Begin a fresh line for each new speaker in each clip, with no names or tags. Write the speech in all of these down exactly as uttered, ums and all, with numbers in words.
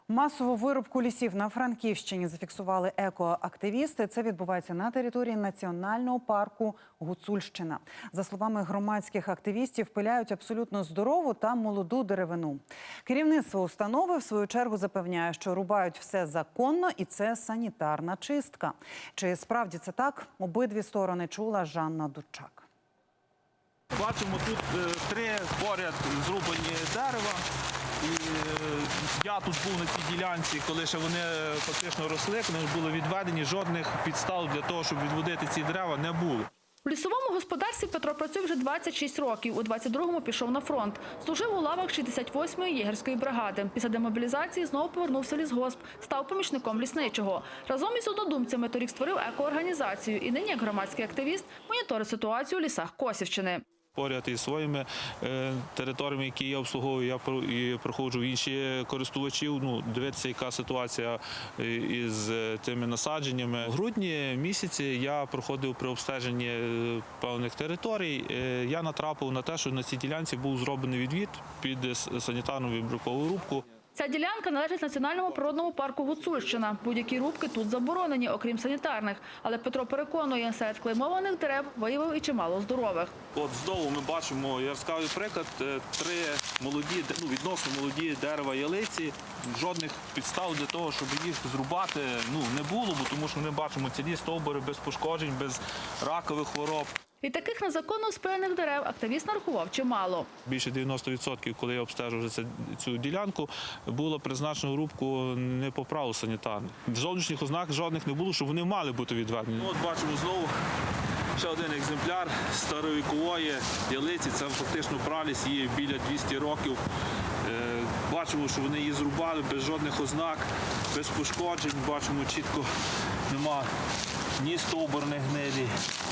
Масову вирубку лісів на Франківщині зафіксували екоактивісти. Це відбувається на території національного парку Гуцульщина. За словами громадських активістів, пиляють абсолютно здорову та молоду деревину. Керівництво установи, в свою чергу, запевняє, що рубають все законно і це санітарна чистка. Чи справді це так? Обидві сторони чула Жанна Дучак.
Бачимо, тут три поряд зрубані дерева. І я тут був на цій ділянці, коли ще вони фактично росли, коли були відведені, жодних підстав для того, щоб відводити ці дерева, не було.
У лісовому господарстві Петро працює вже двадцять шість років. У двадцять другому пішов на фронт. Служив у лавах шістдесят восьмої єгерської бригади. Після демобілізації знову повернувся в лісгосп, став помічником лісничого. Разом із однодумцями торік створив екоорганізацію і нині, як громадський активіст, моніторить ситуацію у лісах Косівщини.
Поряд із своїми е, територіями, які я обслуговую, я про, і проходжу в інші користувачів, ну, дивитися, яка ситуація із тими насадженнями. В грудні місяці я проходив при обстеженні певних територій. Е, я натрапив на те, що на цій ділянці був зроблений відвід під санітарну вибіркову рубку.
Ця ділянка належить Національному природному парку Гуцульщина. Будь-які рубки тут заборонені, окрім санітарних. Але Петро переконує, серед клеймованих дерев виявив і чимало здорових.
От знову ми бачимо яскравий приклад. Три молоді, ну, відносно молоді дерева ялиці. Жодних підстав для того, щоб їх зрубати, ну, не було, бо тому що ми бачимо цілі стовбури без пошкоджень, без ракових хвороб.
І таких незаконно спилених дерев активіст нарахував чимало.
Більше дев'яноста відсотків, коли я обстежив цю ділянку, було призначено рубку не по праву санітарних. Зовнішніх ознак жодних не було, щоб вони мали бути відведені. От бачимо знову ще один екземпляр старовікової ялиці. Це фактично праліс, їй біля двох років. Бачимо, що вони її зрубали без жодних ознак, без пошкоджень. Бачимо, чітко нема ні стовбурних гнилі.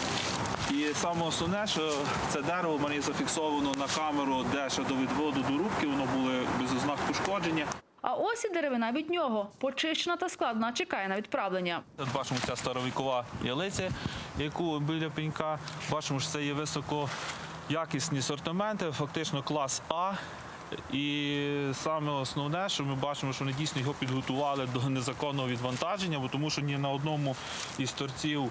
І саме основне, що це дерево в мене зафіксовано на камеру, де ще до відводу до рубки, воно було без ознак пошкодження.
А ось і деревина від нього. Почищена та складена, чекає на відправлення.
Тут бачимо ця старовікова ялиця, яку біля пенька. Бачимо, що це є високоякісні сортименти, фактично клас А. І саме основне, що ми бачимо, що вони дійсно його підготували до незаконного відвантаження, бо тому що ні на одному із торців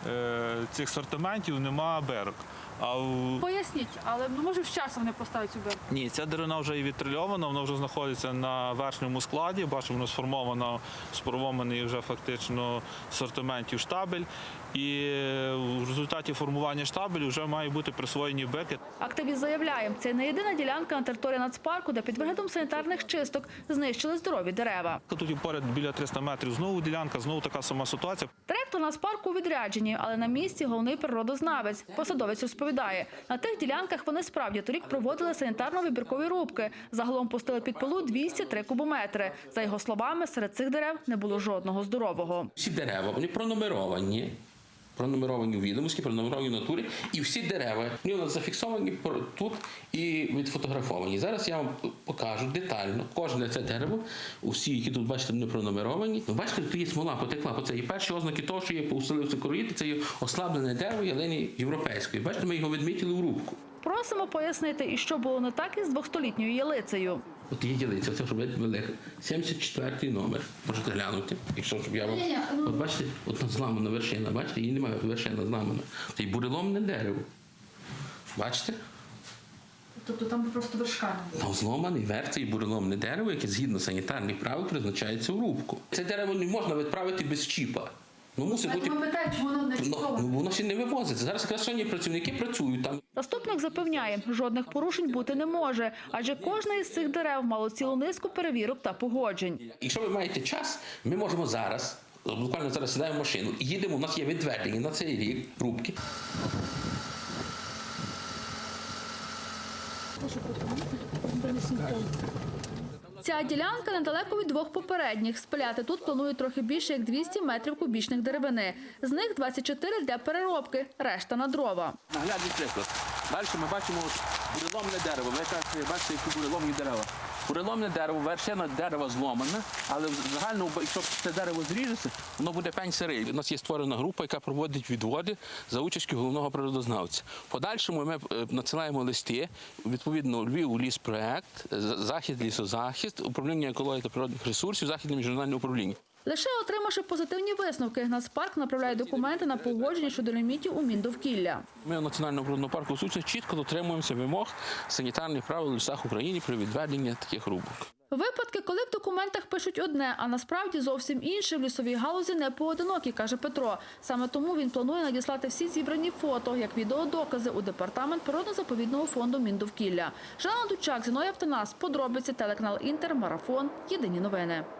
цих сортиментів нема берок. А в...
Поясніть, але може з часом не поставить цю берку?
Ні, ця деревина вже і відтрильована, вона вже знаходиться на верхньому складі. Бачимо, воно сформовано, сформований вже фактично сортиментів штабель. І в результаті формування штабелю вже мають бути присвоєні беки.
Активіст заявляє, це не єдина ділянка на території нацпарку, де під виглядом санітарних чисток знищили здорові дерева.
Тут і поряд біля триста метрів знову ділянка, знову така сама ситуація.
Директор нацпарку у відрядженні, але на місці головний природознавець. Посадовець розповідає, на тих ділянках вони справді торік проводили санітарно-вибіркові рубки. Загалом пустили під пилу двісті три кубометри. За його словами, серед цих дерев не було жодного здорового.
Всі дерева, вони пронумеровані. Пронумеровані у відомості, пронумеровані в натурі. І всі дерева, вони зафіксовані тут і відфотографовані. Зараз я вам покажу детально кожне це дерево, усі, які тут, бачите, не пронумеровані. Ви бачите, тут є смола, потекла по це. І перші ознаки того, що є поуселився короїти, це є ослаблене дерево ялини європейської. Бачите, ми його відмітили в рубку.
Просимо пояснити, і що було не так із двохстолітньою ялицею.
От є ялиця, це щоб велика. сімдесят четвертий номер. Можете глянути, якщо щоб я вам... От бачите, от зламана вершина, бачите, її немає, вершина зламана. Це й буреломне дерево. Бачите?
Тобто там просто вершка не
Там зломаний верх, це і буреломне дерево, яке згідно санітарних правил призначається в рубку. Це дерево не можна відправити без чіпа. Ну, мусить бути...
питають, чому воно не
Ну, ну, воно ще не вивозиться. Зараз якраз сьогодні працівники працюють там.
Заступник запевняє, жодних порушень бути не може, адже кожне із цих дерев мало цілу низку перевірок та погоджень.
Якщо ви маєте час, ми можемо зараз, буквально зараз сідаємо в машину і їдемо, у нас є відведені на цей рік рубки.
Ця ділянка недалеко від двох попередніх. Спиляти тут планують трохи більше, як двісті метрів кубічних деревини. З них двадцять чотири для переробки, решта на дрова.
Наглядний приклад. Далі ми бачимо буреломне дерево. Ви кажете, бачите, які буреломні дерева.
Буреломне дерево, вершина дерева зломана, але загально, якщо це дерево зріжеться, воно буде пень сирий. У нас є створена група, яка проводить відводи за участю головного природознавця. В подальшому ми надсилаємо листи, відповідно, Львів ліспроект, Захід лісозахист, управління екології та природних ресурсів, Західне міжнародне управління.
Лише отримавши позитивні висновки, Нацпарк направляє документи на погодження щодо лімітів у Міндовкілля.
Ми у Національному природному парку Гуцульщина чітко дотримуємося вимог санітарних правил у лісах України при відведенні таких рубок.
Випадки, коли в документах пишуть одне, а насправді зовсім інше, в лісовій галузі не поодинокі, каже Петро. Саме тому він планує надіслати всі зібрані фото, як відеодокази, у департамент природно-заповідного фонду Міндовкілля. Жанна Дучак, Зіновій Автонас, подробиці, телеканал Інтер, Марафон, Єдині новини.